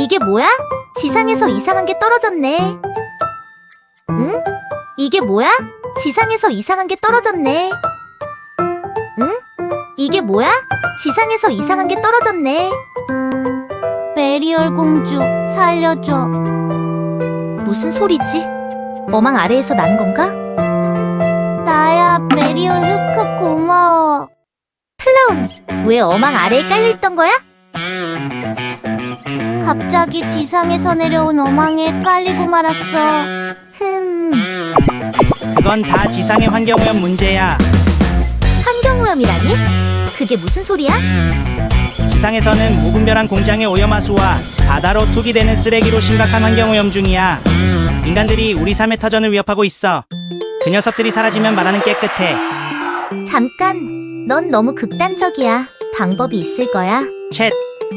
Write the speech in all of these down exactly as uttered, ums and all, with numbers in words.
이게 뭐야? 지상에서 이상한 게 떨어졌네. 응? 이게 뭐야? 지상에서 이상한 게 떨어졌네. 응? 이게 뭐야? 지상에서 이상한 게 떨어졌네. 메리얼 공주, 살려줘. 무슨 소리지? 어망 아래에서 난 건가? 나야, 메리얼 흑흑 고마워. 클라운, 왜 어망 아래에 깔려있던 거야? 갑자기 지상에서 내려온 어망에 깔리고 말았어. 흠, 그건 다 지상의 환경오염 문제야. 환경오염이라니? 그게 무슨 소리야? 지상에서는 무분별한 공장의 오염하수와 바다로 투기되는 쓰레기로 심각한 환경오염 중이야. 인간들이 우리 삶의 터전을 위협하고 있어. 그 녀석들이 사라지면 말하는 깨끗해. 잠깐, 넌 너무 극단적이야. 방법이 있을 거야. 챗.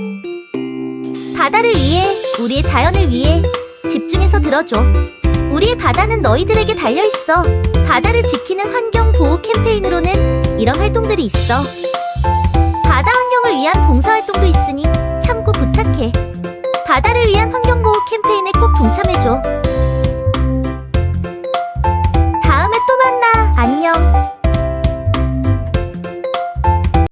바다를 위해, 우리의 자연을 위해 집중해서 들어줘. 우리의 바다는 너희들에게 달려있어. 바다를 지키는 환경보호 캠페인으로는 이런 활동들이 있어. 바다 환경을 위한 봉사활동도 있으니 참고 부탁해. 바다를 위한 환경보호